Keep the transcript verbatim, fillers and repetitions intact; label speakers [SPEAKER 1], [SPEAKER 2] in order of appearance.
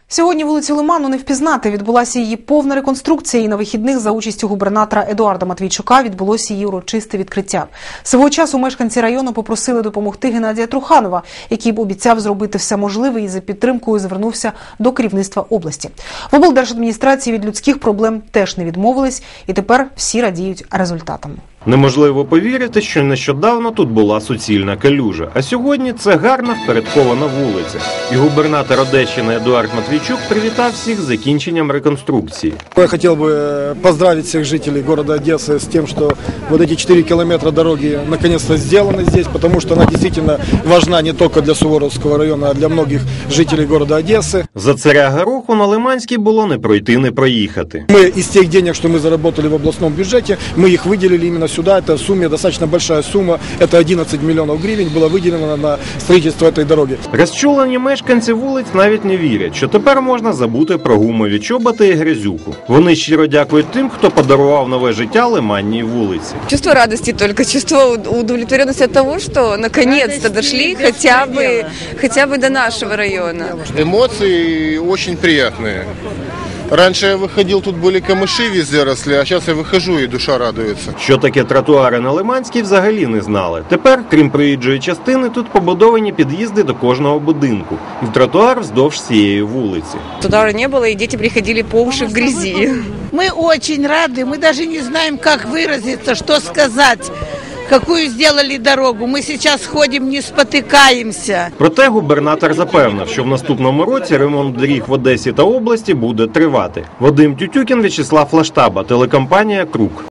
[SPEAKER 1] Сьогодні вулицю Лиману не впізнати. Відбулася її повна реконструкція, і на вихідних за участю губернатора Едуарда Матвійчука відбулося її урочисте відкриття. Свого часу мешканці району попросили допомогти Геннадія Труханова, який б обіцяв зробити все можливе і за підтримкою звернувся до керівництва області. В облдержадміністрації від людських проблем теж не відмовились, і тепер всі радіють результатам.
[SPEAKER 2] Неможливо повірити, що нещодавно тут була суцільна калюжа, а сьогодні це гарна впорядкована вулиця. І губернатор Одещини Едуард Матвійчук привітав всіх з закінченням реконструкції.
[SPEAKER 3] Я хотел бы поздравить всех жителей города Одессы с тем, что вот эти четыре километра дороги наконец-то сделаны здесь, потому что она действительно важна не только для Суворовского района, а для многих жителей города Одессы.
[SPEAKER 2] За царя Гороху на Лиманській було не пройти, не проїхати.
[SPEAKER 3] Мы из тех денег, что мы заработали в областном бюджете, мы их выделили именно сюда. Это в сумме достаточно большая сумма. Это одиннадцать миллионов гривен было выделено на строительство этой дороги.
[SPEAKER 2] Розчулені мешканці вулиць навіть не вірять, що тепер можна забути про гумові чоботи і грязюку. Вони щиро дякують тим, хто подарував нове життя Лиманній вулиці.
[SPEAKER 4] Чувство радости только, чувство удовлетворенности от того, что наконец-то дошли хотя бы, хотя бы до нашего района.
[SPEAKER 5] Эмоции очень приятные. Раньше я выходил, тут были камыши везде росли, а сейчас я выхожу и душа радуется.
[SPEAKER 2] Що таке тротуари на Лиманській, взагалі не знали. Тепер, крім проїжджої частини, тут побудовані під'їзди до кожного будинку. І тротуар вздовж цієї вулиці.
[SPEAKER 4] Туда не было, и дети приходили по уши в грязи.
[SPEAKER 6] Мы очень рады, мы даже не знаем, как выразиться, что сказать. Какую сделали дорогу. Мы сейчас ходим, не спотыкаемся.
[SPEAKER 2] Проте губернатор запевнив, що в наступному році ремонт доріг в Одесі та області буде тривати. Вадим Тютюкін, В'ячеслав Лаштаба, телекомпанія «Круг».